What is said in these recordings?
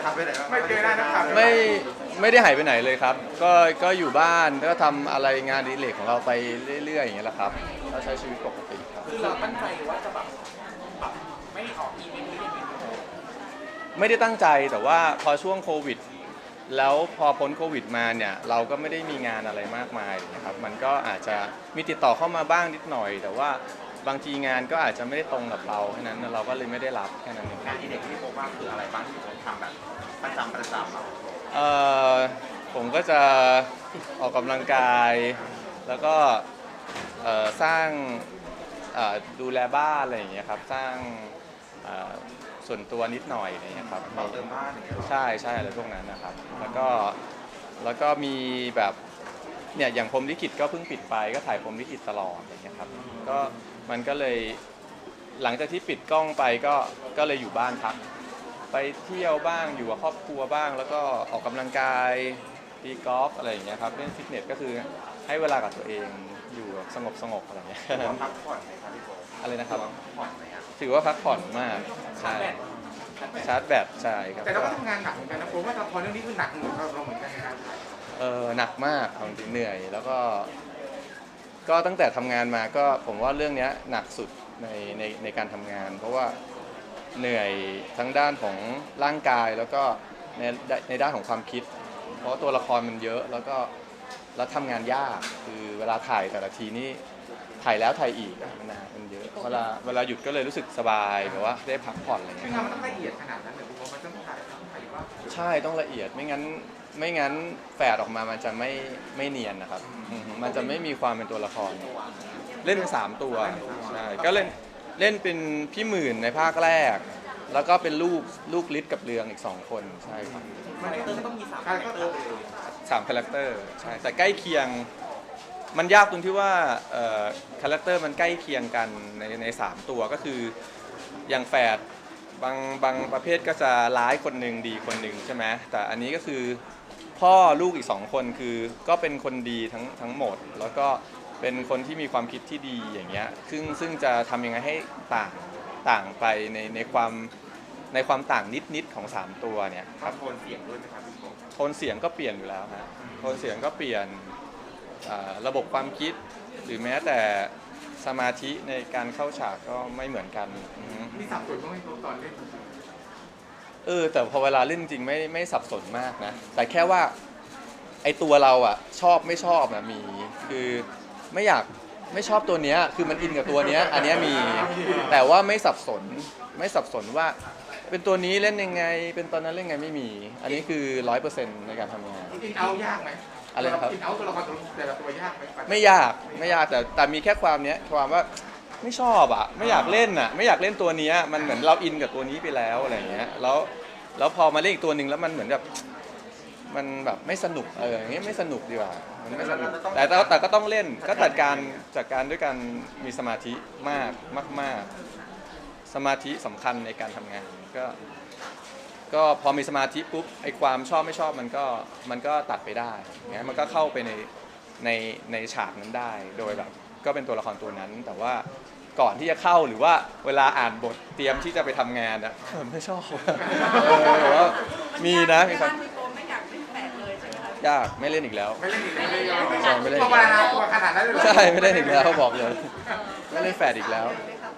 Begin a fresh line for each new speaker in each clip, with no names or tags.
ขับไปไหนบ้าง
ไม่เจอหน้านักข่าว
ไม่ได้หายไปไหนเลยครับก็อยู่บ้านก็ทำอะไรงานอดิเรกของเราไปเรื่อยๆอย่างเงี้ยแหละครับก็ใช้ชีวิตปกติครับ
คือเราตั้งใจว่าจะแบบไม่ออกอีเวนต์หรือยังไง
ไม่ได้ตั้งใจแต่ว่าพอช่วงโควิดแล้วพอพ้นโควิดมาเนี่ยเราก็ไม่ได้มีงานอะไรมากมายนะครับมันก็อาจจะมีติดต่อเข้ามาบ้างนิดหน่อยแต่ว่าบางทีงานก็อาจจะไม่ได้ตรงกับเราแค่นั้นเราก็เลยไม่ได้รับแค่นั้นเอง
งานที่เด็กที่ผมว่าคืออะไรบ้างที่ผมทำแบบประจำ
เอ่อผมก็จะออกกำลังกายแล้วก็สร้างดูแลบ้านอะไรอย่างเงี้ยครับสร้างส่วนตัวนิดหน่อยอะไรอย่างเงี้ยครับ
ต่อเติมบ้านอย่างเงี้ยหรอ
ใช่อะไรพวกนั้นนะครับแล้วก็มีแบบเนี่ยอย่างพรหมลิขิตก็เพิ่งปิดไปก็ถ่ายพรหมลิขิตตลอดอย่างเงี้ยครับก็มันก็เลยหลังจากที่ปิดกล้องไปก็เลยอยู่บ้านพักไปเที่ยวบ้างอยู่กับครอบครัวบ้างแล้วก็ออกกำลังกายตีกอล์ฟอะไรอย่างเงี้ยครับเล่นฟิตเนสก็คือให้เวลากับตัวเองอยู่สงบอะไรอย่างเงี้ย
พักผ่อนไหมครับพี่โบ
อะไรนะครับ
ผ่อนไหมครับ
ถือว่าพักผ่อนมากใช่ชาร์จแบตใช่ครับ
แต่เราก็ทำงานหนักเหมือนกันนะผมว่าละครเรื่องนี้คือหนักเหมือนเราเหมือนกันนะครับ
หนักมากจริงเหนื่อยแล้วก็ตั้งแต่ทำงานมาก็ผมว่าเรื่องนี้หนักสุดในการทำงานเพราะว่าเหนื่อยทั้งด้านของร่างกายแล้วก็ในด้านของความคิดเพราะตัวละครมันเยอะแล้วทำงานยากคือเวลาถ่ายแต่ละทีนี่ถ่ายแล้วถ่ายอีกมันนานมันเยอะเวลาหยุดก็เลยรู้สึกสบายแบบว่าได้พักผ่อนอะไรเงี้ย
งานมันต้องละเอียดขนาดนั้นเลยผมมันต้องถ่ายว่า
ใช่ต้องละเอียดไม่งั้นแฝดออกมามันจะไม่เนียนนะครับมันจะไม่มีความเป็นตัวละครเล่นเป็น3ตัวใช่ก็เล่นเป็นพี่หมื่นในภาคแรกแล้วก็เป็นลูกฤทธิ์กับเรืองอีก2คนใช่ครับ
คาแรคเตอร์ต้องมี3คาแรคเตอร์เลย
3คาแรคเตอร์ใช่แต่ใกล้เคียงมันยากตรงที่ว่าคาแรคเตอร์มันใกล้เคียงกันใน3ตัวก็คืออย่างแฝดบางประเภทก็จะร้ายคนหนึ่งดีคนหนึ่งใช่ไหมแต่อันนี้ก็คือพ่อลูกอีก2คนคือก็เป็นคนดีทั้งหมดแล้วก็เป็นคนที่มีความคิดที่ดีอย่างเงี้ยซึ่งจะทำยังไงให้ต่างไปในความต่างนิดของ3ตัวเนี่ยครับ
โทนเสียงด้วยไหมครับพี่โบ
โทนเสียงก็เปลี่ยนอยู่แล้วฮะโทนเสียงก็เปลี่ยนระบบความคิดหรือแม้แต่สมาธิในการเข้าฉากก็ไม่เหมือนกัน
มีสับสนบ้างไหมตอนเล่น
แต่พอเวลาเล่นจริงไม่สับสนมากนะแต่แค่ว่าไอตัวเราอ่ะชอบไม่ชอบนะมีคือไม่ชอบตัวเนี้ยคือมันอินกับตัวเนี้ยอันเนี้ยมีแต่ว่าไม่สับสนว่าเป็นตัวนี้เล่นยังไงเป็นตอนนั้นเล่นยังไงไม่มีอันนี้คือ 100% ในการทำงาน
อินเอายากไหม
อะไรนะครับ
อินเอาตัวละครแต่ละตัวยากไหม
ไม่ยากแต่มีแค่ความว่าไม่ชอบอ่ะไม่อยากเล่นอ่ะไม่อยากเล่นตัวนี้มันเหมือนเราอินกับตัวนี้ไปแล้วอะไรอย่างเงี้ยแล้วพอมาเล่นอีกตัวหนึ่งแล้วมันเหมือนแบบมันแบบไม่สนุกอย่างเงี้ยไม่สนุกดีกว่ามันไม่สนุกแต่ก็ต้องเล่นก็จัดการด้วยการมีสมาธิมากสมาธิสำคัญในการทำงานก็พอมีสมาธิปุ๊บไอ้ความชอบไม่ชอบมันก็ตัดไปได้เงี้ยมันก็เข้าไปในฉากนั้นได้โดยแบบก็เป็นตัวละครตัวนั้นแต่ว่าก่อนที่จะเข้าหรือว่าเวลาอ่านบทเตรียมที่จะไปทำงานอะไม่ชอบว่ามีนะมีครับยากไม่เล่นอีกแล้ว
ไม่เล่นอีกแล้ว
ไม่เล่น
ตัวขนาดนั้นเลย
ใช่ไม่เล่นอีกแล้วบอกเลยไม่เล่นแฝดอีกแล้ว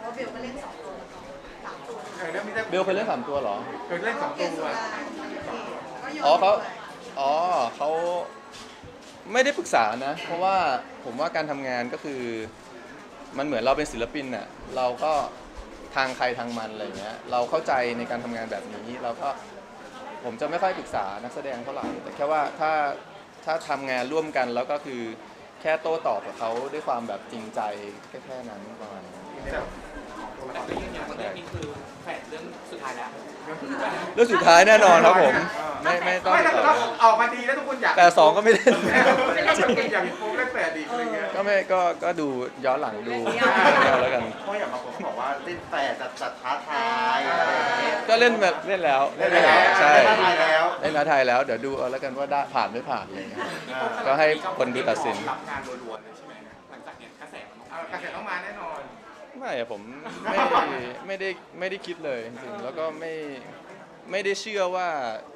เบลเคยเล่น3 ตัวเหรอ
เคยเล่น2 ตัว
เขาไม่ได้ปรึกษานะเพราะว่าผมว่าการทำงานก็คือมันเหมือนเราเป็นศิลปินน่ะเราก็ทางใครทางมันอะไรเงี้ยเราเข้าใจในการทำงานแบบนี้เราก็ผมจะไม่ค่อยปรึกษานักแสดงเท่าไหร่แต่แค่ว่าถ้าทำงานร่วมกันแล้วก็คือแค่โต้ตอบกับเขาด้วยความแบบจริงใจแค่นั้นประมาณนั้น
แต่ก็ยังอย่างวันนี้คือแฝดเรื่องสุดท้ายแล้ว
เรื่องสุดท้ายแน่นอนครับผมไม่ต้อง
ออกมาดีแล้วทุกคนอยาก
แต่2ก็ไม่เล่น
อยากโป๊กเล่นแฝดดีอะไรเงี้ย
ก็ดูย้อนหลังดูแล้วกัน
เพราะอย่างบางคนเขาบอกว่าเล่นแฝดจัดท้าทายอะไรอย่างเงี้ย
ก็เล่นแบบเล่นแล้วใช่
ท้าทายแล้ว
เล่นท้าทายแล้วเดี๋ยวดูเอาแล้วกันว่าได้ผ่านไม่ผ่านอะไรเงี้ยก็ให้คนดูตัดสิน
รับงานรัวๆเลยใช่ไหมหลังจากเนี้ยกระแสต้องมาแน่นอน
ไม่ผมไม่ได้คิดเลยจริงๆแล้วก็ไม่ได้เชื่อว่า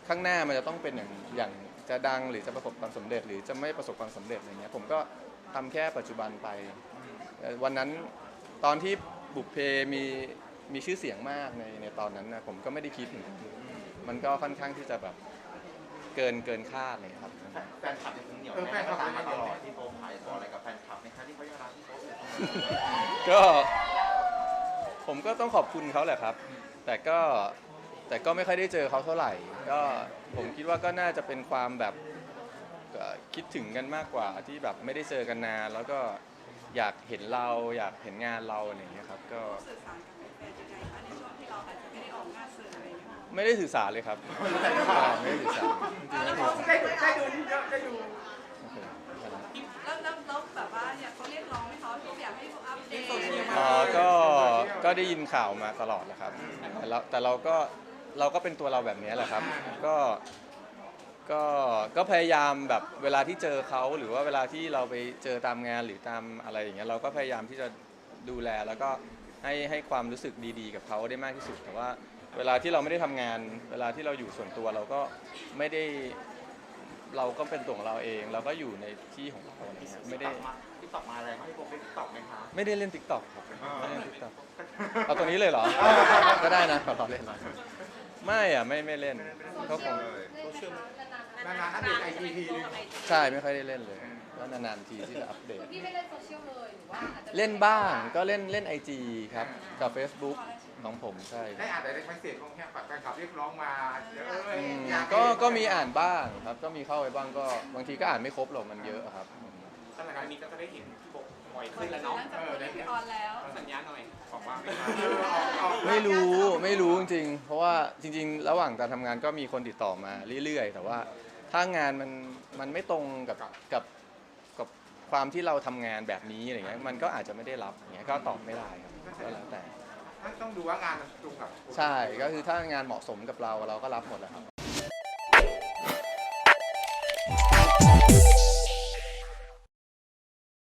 ข้างหน้ามันจะต้องเป็นอย่างจะดังหรือจะประสบความสำเร็จหรือจะไม่ประสบความสำเร็จอะไรเงี้ยผมก็ทำแค่ปัจจุบันไปวันนั้นตอนที่บุพเพมีชื่อเสียงมากในตอนนั้นนะผมก็ไม่ได้คิดเหมือนกันมันก็ค่อนข้างที่จะแบบเกินคาดเลยครับ
แฟนคลับยังคงเหนียวแน่นก็ตามมาตลอดที่โป๊ปขายบอกอะไรกับแฟนคลับไหมคะที่เขายังรักที่โป๊ปอยู่
ก็ผมก็ต้องขอบคุณเขาแหละครับ แต่ก็ไม่ค่อยได้เจอเขาเท่าไหร่ก็ผมคิดว่าก็น่าจะเป็นความแบบคิดถึงกันมากกว่าที่แบบไม่ได้เจอกันนานแล้วก็อยากเห็นเราอยากเห็นงานเราอะไรอย่างเงี้ยครับก็
สื่อสารกับแฟนยังไงคะในช่วงที่เราอาจจะไม่ได้ออกงานสื่ออะไรอย่างเงี้ย
ไม่ได้สื่อสารเลยครับไม่ได้สื่อสารจริงๆ
แล้ว
ไม่
เขา
ได้
ได้ดูเยอะได้ดู
โอเค
แล้วแบบว่าเนี่ยเขาเรียกร้องให้เขาอยากให้เขาอัปเดต
อ๋อก็ได้ยินข่าวมาตลอดแหละครับแต่เราก็เป็นตัวเราแบบนี้แหละครับก็พยายามแบบเวลาที่เจอเขาหรือว่าเวลาที่เราไปเจอตามงานหรือตามอะไรอย่างเงี้ยเราก็พยายามที่จะดูแลแล้วก็ให้ความรู้สึกดีๆกับเขาได้มากที่สุดแต่ว่าเวลาที่เราไม่ได้ทำงานเวลาที่เราอยู่ส่วนตัวเราก็ไม่ได้เราก็เป็นตัวของเราเองเราก็อยู่ในที่ของเราอะไรเงี้ยไม่ได้
ที่ตอบมาอะไรให้โป๊ปได้ตอบไหมคะ
ไม่ได้เล่น TikTok ครับไม่ได้เล่น TikTok เอาตัวนี้เลยเหรอ ก็ได้นะขอเล่นหน่อยไม่อ่ะไม่เล่นก็คง
นานๆอัปเดตไอจีทีนึง
ใช่ไม่ค่อยได้เล่นเลยก็นานๆทีที่จะอัปเดต
พี่ไม่เล่นโซเชียลเลยหรือว่าอาจจะ
เล่นบ้างก็เล่น IG ครับกับ Facebook ของผมใช่
ได้อ่านแต่ในเมสเซจของแฟนคลับเรียกร้องมา
ก็มีอ่านบ้างครับก็มีเข้าไปบ้างก็บางทีก็อ่านไม่ครบหรอกมันเยอะครับ
สถานการณ์นี้ก็จะได้เห็นพี่โป๊ปบ่อย
หลั
ขึ้น
ง
แล้ว
จาก
เนาะ
นั้นจะพูดที่ออนแล้ว
สัญญาหน่อยบอกว่า
ไม่รู้จริงๆเพราะว่าจริงๆ ระหว่างการทำงานก็มีคนติดต่อมาเรื่อยๆแต่ว่าถ้างานมันไม่ตรงกับความที่เราทำงานแบบนี้อะไรเงี้ยมันก็อาจจะไม่ได้รับอย่างเงี้ยก็ตอบไม่ได้ครับก็แล้วแต่
ต้องดูว่างานมันตรงกับ
ใช่ก็คือถ้างานเหมาะสมกับเราก็รับหมดแหละครับ